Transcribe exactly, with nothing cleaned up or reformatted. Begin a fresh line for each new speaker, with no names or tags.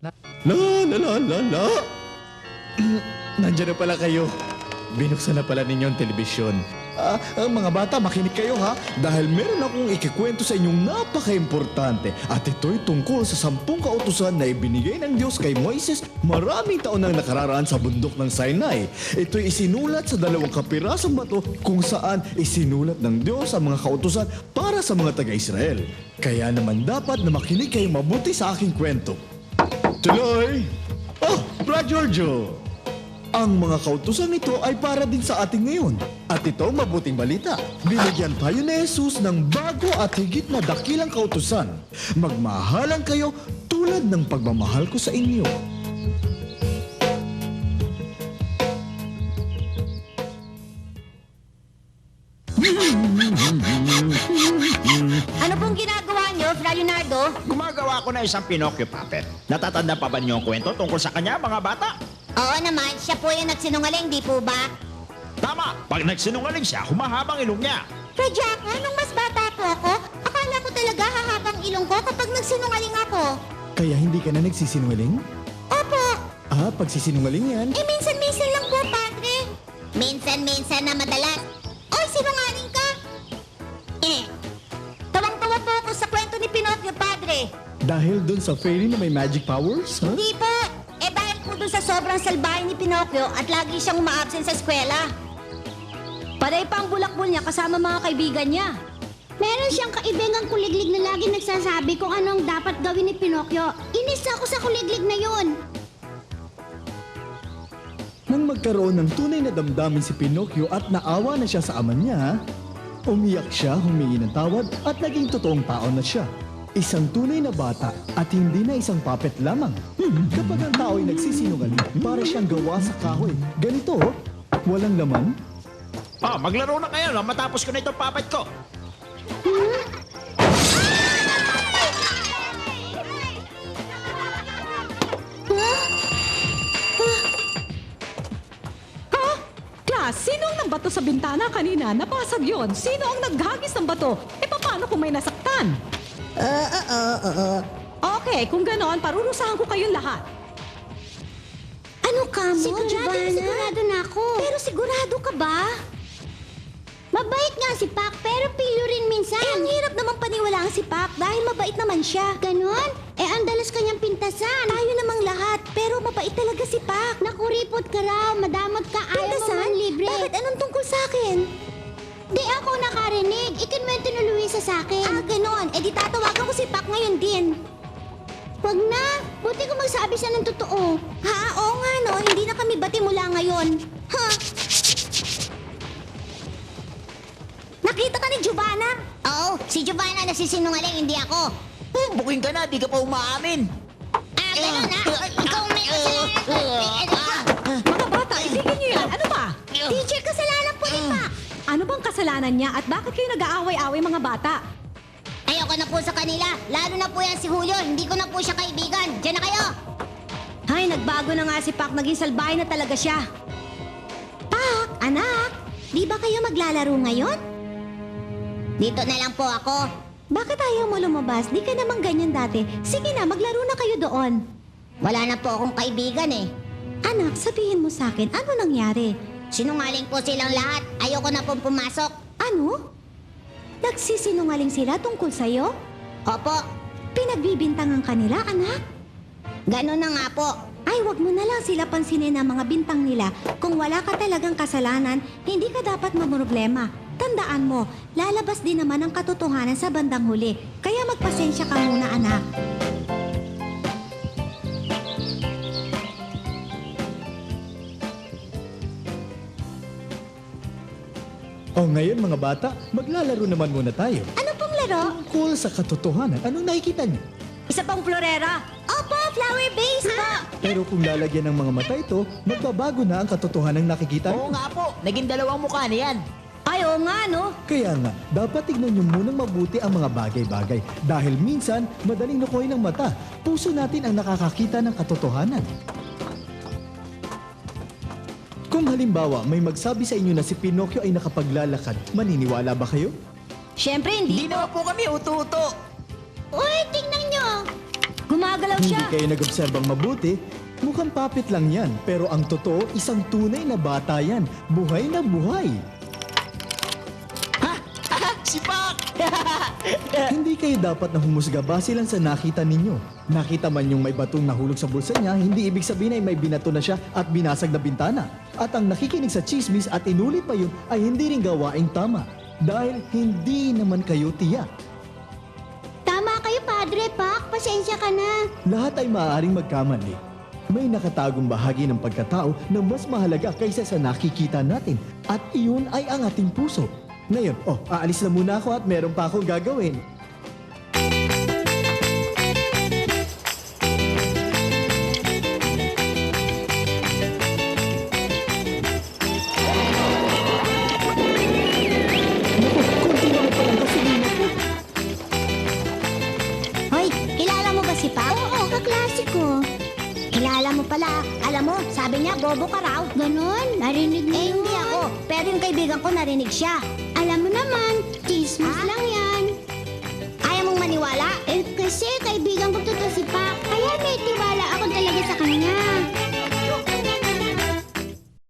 La la la la la. Nandiyan na pala kayo. Binuksan na pala ninyo ang telebisyon. Ah, ang mga bata, makinig kayo ha. Dahil meron akong ikikwento sa inyong napaka-importante. At ito'y tungkol sa sampung kautusan na ibinigay ng Diyos kay Moises maraming taon nang nakararaan sa bundok ng Sinai. Ito'y isinulat sa dalawang kapirasong bato kung saan isinulat ng Diyos ang mga kautusan para sa mga taga-Israel. Kaya naman dapat na makinig kayo mabuti sa aking kwento. Tuloy! Oh, Brad Giorgio! Ang mga kautusan nito ay para din sa ating ngayon. At ito ang mabuting balita. Binigyan tayo ni Jesus ng bago at higit na dakilang kautusan. Magmahalan kayo tulad ng pagmamahal ko sa inyo.
Ano pong ginagawa niyo, Fra Leonardo?
Gumagawa ko na isang Pinocchio puppet. Natatanda pa ba niyo ang kwento tungkol sa kanya, mga bata?
Oo naman, siya po yung nagsinungaling, di po ba?
Tama! Pag nagsinungaling siya, humahabang ilong niya.
Fra Jack, nung mas bata po ako, akala ko talaga hahabang ilong ko kapag nagsinungaling ako.
Kaya hindi ka na nagsisinungaling?
Opo,
Ah, pagsisinungaling yan.
eh minsan-minsan lang po, Padre. Minsan-minsan na madalas. Oy, sinungaling ka! Eh, tawang-tawa po ako sa kwento ni Pinocchio, Padre.
Dahil dun sa fairy na may magic powers, ha?
Hindi po. Eh dahil po dun sa sobrang salbahe ni Pinocchio at lagi siyang uma-absent sa eskwela. Panay pa ang bulakbol niya kasama mga kaibigan niya.
Meron siyang kaibigang kuliglig na lagi nagsasabi kung anong dapat gawin ni Pinocchio. Inis ako sa kuliglig na yun.
Nang magkaroon ng tunay na damdamin si Pinocchio at naawa na siya sa ama niya, umiyak siya, humingi ng tawad at naging totoong tao na siya. Isang tunay na bata at hindi na isang puppet lamang. Kapag ang tao ay nagsisinungaling, para siyang gawa sa kahoy. Ganito, oh, walang laman.
Ah, maglaro na kayo no? Matapos ko na itong puppet ko.
Ha? Class, sino ang nagbato sa bintana kanina? Napasag yon. Sino ang naghagis ng bato? E paano kung may nasaktan?
Oo, oo, oo.
Okay, kung ganon, parurusahan ko kayong lahat.
Ano ka mo,
Sigurado,
Giovanna?
sigurado na ako.
Pero sigurado ka ba?
Mabait nga si Pac, pero pilo rin minsan.
Eh, ang hirap naman paniwalaan si Pac dahil mabait naman siya.
Ganon? Eh, ang dalas kanyang pintasan.
Tayo namang lahat, pero mabait talaga si Pac.
Nakuripot ka raw, madamot ka, ayaw mo
Pintasan?
man libre.
Bakit anong tungkol sa akin?
Di ako nakarinig. Ikinwento ni Luisa sa akin.
Ah, ganon. Eh di tatawagan ko si Pac ngayon din.
Wag na. Buti ko magsabi siya ng totoo.
Ha? Oo nga no, hindi na kami bati mula ngayon. Ha? Nakita ka ni Giovanna?
Oo, si Giovanna nasisinungaling, hindi ako.
Buking ka na, di ka pa umaamin.
Ah, ganon ha? Ikaw may kasalanan.
Mga bata, itigil niyo yan. Ano ba?
Teacher, kasalanan po ni Pac.
Ano bang kasalanan niya at bakit kayo nag-aaway-away mga bata?
Ayoko na po sa kanila. Lalo na po yan si Julio. Hindi ko na po siya kaibigan. Diyan na kayo.
Ay, nagbago na nga si Pac. Naging salbahe na talaga siya. Pac, anak, di ba kayo maglalaro ngayon?
Dito na lang po ako.
Bakit ayaw mo lumabas? Di ka naman ganyan dati. Sige na, maglaro na kayo doon.
Wala na po akong kaibigan eh.
Anak, sabihin mo sa akin, ano nangyari?
Sinungaling po silang lahat. Ayoko na pong pumasok.
Ano? Nagsisinungaling sila tungkol sa'yo?
Opo,
Pinagbibintangan kanila, anak?
ganun na nga po.
Ay, wag mo na lang sila pansinin ang mga bintang nila. Kung wala ka talagang kasalanan, hindi ka dapat mamroblema. Tandaan mo, lalabas din naman ang katotohanan sa bandang huli. Kaya magpasensya ka muna, anak.
O ngayon mga bata, maglalaro naman muna tayo.
Ano pong laro?
Tungkol sa katotohanan, anong nakikita niyo?
Isa pang florera. Opo, flower base po.
Pero kung lalagyan ng mga mata ito, magbabago na ang katotohanan nakikita niyo.
Oo nga po, naging dalawang mukha niyan.
Ay, oo nga, no?
Kaya nga, dapat tignan niyo munang mabuti ang mga bagay-bagay. Dahil minsan, madaling nakuhay ng mata. Puso natin ang nakakakita ng katotohanan. Kung halimbawa, may magsabi sa inyo na si Pinocchio ay nakapaglalakad, maniniwala ba kayo?
Siyempre, hindi.
Hindi naman po kami uto-uto.
Uy, tingnan nyo.
Gumagalaw
Hindi
siya.
kayo nag-obserbang mabuti. Mukhang puppet lang yan, pero ang totoo, isang tunay na bata yan. Buhay na buhay.
Si Pak!
Hindi kayo dapat na humusga base lang sa nakita ninyo. Nakita man yung may batong nahulog sa bulsa niya, hindi ibig sabihin ay may binato na siya at binasag na bintana. At ang nakikinig sa chismis at inulit pa yun ay hindi rin gawaing tama. Dahil hindi naman kayo tiyak.
Tama kayo, Padre Pak. Pasensya ka na.
Lahat ay maaaring magkamali. May nakatagong bahagi ng pagkatao na mas mahalaga kaysa sa nakikita natin. At iyon ay ang ating puso. Ngayon, oh, aalis na muna ako at meron pa akong gagawin. Naku, konti lang palang gasolina ko.
Hoy, kilala mo ba si Pak?
Oo, kaklase ko.
Kilala mo pala. Alam mo, sabi niya bobo ka raw.
Ganon, narinig mo
Eh,
yun.
hindi ako. Pero yung kaibigan ko narinig siya.
Alam mo naman, chismis
Ah?
lang yan.
Ayaw mong maniwala?
Eh, kasi kaibigan ko to, to si Pak.